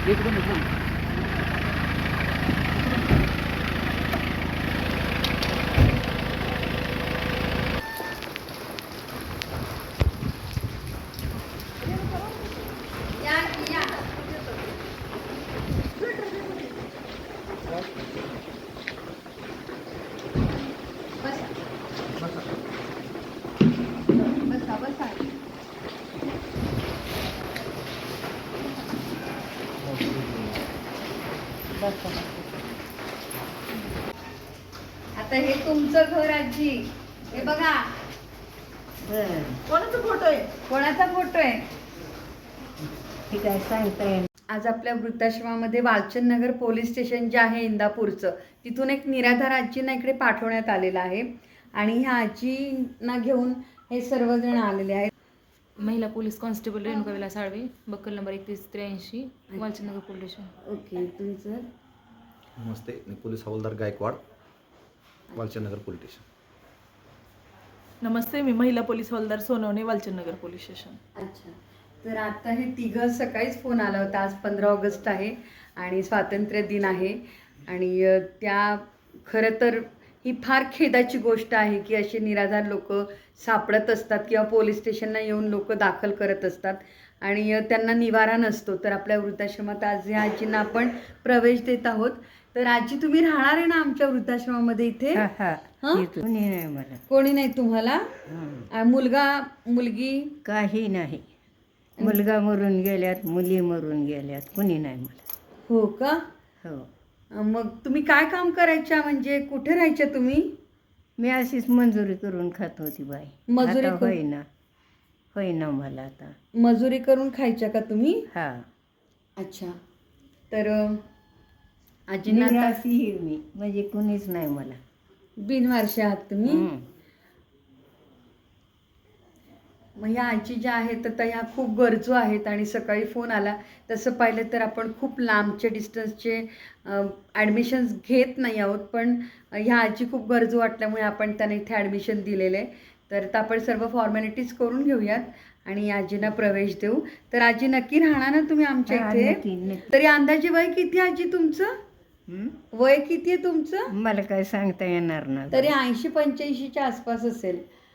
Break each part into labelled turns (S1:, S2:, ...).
S1: एकदम एकदम
S2: आता हे तुमचं घर आजी, हे बघा
S3: कोणाचा फोटो आहे?
S2: कोणाचा फोटो आहे?
S3: ठीक आहे, सांगता येईल.
S2: आज आपल्या वृद्धाश्रमामध्ये वालचंद नगर पोलीस स्टेशन जे आहे इंदापूरचं, तिथून एक निराधार आजींना इकडे पाठवण्यात आलेलं आहे आणि ह्या आजींना घेऊन हे सर्वजण आलेले आहेत.
S4: महिला police constable Renuka Vilas Salve, buckle number 3183, Walchand Nagar police station.
S2: Okay, तुमचं?
S5: नमस्ते, मी पोलीस हवालदार गायकवाड, वालचंद नगर पोलीस स्टेशन.
S3: नमस्ते, मी महिला पोलीस हवालदार सोनवणे, वालचंद नगर पोलीस स्टेशन.
S2: अच्छा, तर आता हे तिघं सकाळीच फोन आला होता. आज 15 ऑगस्ट आहे आणि स्वातंत्र्य दिन आहे आणि त्या खरं तर ही फार खेदाची गोष्ट आहे की असे निराधार लोक सापडत असतात किंवा पोलीस स्टेशनला येऊन लोक दाखल करत असतात आणि त्यांना निवारा नसतो. तर आपल्या वृद्धाश्रमात आज ह्या आजींना आपण प्रवेश देत आहोत. तर आजी, तुम्ही राहणार आहे ना आमच्या वृद्धाश्रमामध्ये इथे? हं?
S3: कोणी नाही मला,
S2: कोणी नाही तुम्हाला? मुलगा मुलगी?
S3: काही नाही. मुलगा मरून गेल्यात, मुली मरून गेल्यात, कोणी नाही मला.
S2: हो का?
S3: हो,
S2: मग तुम्ही काय काम करायच्या, म्हणजे कुठे राहायच्या तुम्ही?
S3: मी अशीच मंजुरी करून खात होती बाई.
S2: मजुरी
S3: आता
S2: करून?
S3: होईना मला आता.
S2: मजुरी करून खायच्या का तुम्ही?
S3: हा,
S2: अच्छा, तर आजींना आता
S3: निराशी आहे मी, म्हणजे कोणीच नाही मला.
S2: बिनवारशी आहात तुम्ही?
S3: हम्म.
S2: मग ह्या आजी ज्या आहेत तर ह्या खूप गरजू आहेत आणि सकाळी फोन आला तसं पाहिलं तर आपण खूप लांबचे डिस्टन्सचे ॲडमिशन्स घेत नाही आहोत, पण ह्या आजी खूप गरजू वाटल्यामुळे आपण त्यांना इथे ॲडमिशन दिलेलं आहे. तर आपण सर्व फॉर्मॅलिटीज करून घेऊयात आणि या आजींना प्रवेश देऊ. तर आजी, नक्की राहणार ना तुम्ही आमच्या
S3: हा,
S2: इथे?
S3: नक्की, नक्की.
S2: तरी अंदाजे वय किती आजी तुमचं?
S3: हम्म?
S2: वय किती आहे तुमचं?
S3: मला काय सांगता येणार ना.
S2: तरी 80-85च्या आसपास असेल.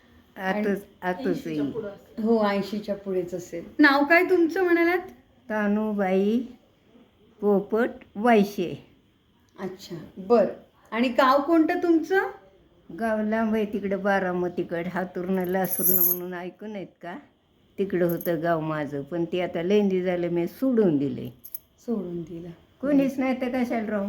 S3: आतच येईल.
S2: हो, 80च्या पुढेच असेल. नाव काय तुमचं म्हणालात?
S3: तानूबाई पोपट वायशे.
S2: अच्छा, बर. आणि गाव कोणतं तुमचं?
S3: गाव लांब आहे, तिकडं बारामतीकडं, हातुर्न लासूरनं म्हणून ऐकून आहेत का? तिकडं होतं गाव माझं, पण ते आता लेंदी झालं, मी सोडून दिले.
S2: सोडून दिलं?
S3: कोणीच नाही तर कशाला राहू.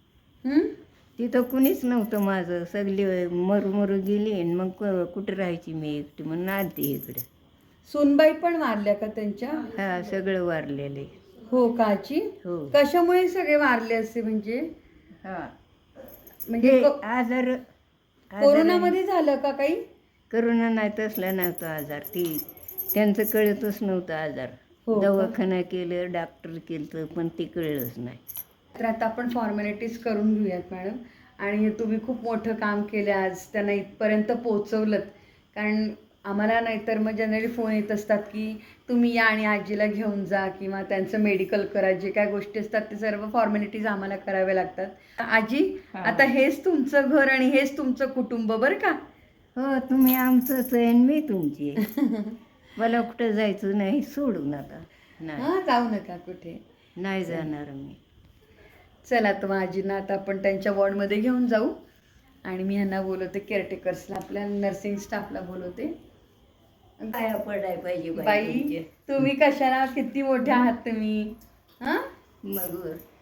S3: तिथं कुणीच नव्हतं माझं, सगळी मरू गेली आणि मग कुठं राहायची मी एकटी, म्हणून आलते इकडं.
S2: सुनबाई पण वारल्या का त्यांच्या?
S3: हा, सगळं वारलेलं आहे.
S2: हो का आजी?
S3: हो.
S2: कशामुळे सगळे वारले असे, म्हणजे
S3: हा,
S2: म्हणजे
S3: हे आजार
S2: कोरोनामध्ये झालं का काही?
S3: करोना नाही, तसला नव्हता आजार. ती त्यांचं कळतच नव्हतं आजार.
S2: हो का?
S3: दवाखाना केलं, डॉक्टर केलं, पण ते कळलंच नाही.
S2: तर आता आपण फॉर्मॅलिटीज करून घेऊयात मॅडम. आणि तुम्ही खूप मोठं काम केलं आज, त्यांना इथपर्यंत पोचवलं. कारण आम्हाला नाहीतर मग जनरली फोन येत असतात की तुम्ही या आणि आजीला घेऊन जा किंवा त्यांचं मेडिकल करा, जे काय गोष्टी असतात ते सर्व फॉर्मॅलिटीज आम्हाला कराव्या लागतात. आजी, आता हेच तुमचं घर आणि हेच तुमचं कुटुंब बरं का?
S3: हो, तुम्ही आमचंच आहे आणि मी तुमची आहे. मला कुठं जायचं नाही, सोडून आता नाही.
S2: हां, जाऊ नका कुठे.
S3: नाही जाणार मी.
S2: चला, तर मग आजींना आता आपण त्यांच्या वॉर्डमध्ये घेऊन जाऊ आणि मी ह्यांना बोलवते, केअरटेकर्सला, आपल्या नर्सिंग स्टाफला बोलवते.
S3: काय पडाय पाहिजे
S2: बाई, तुम्ही कशाला, किती मोठे आहात तुम्ही? हां,
S3: मग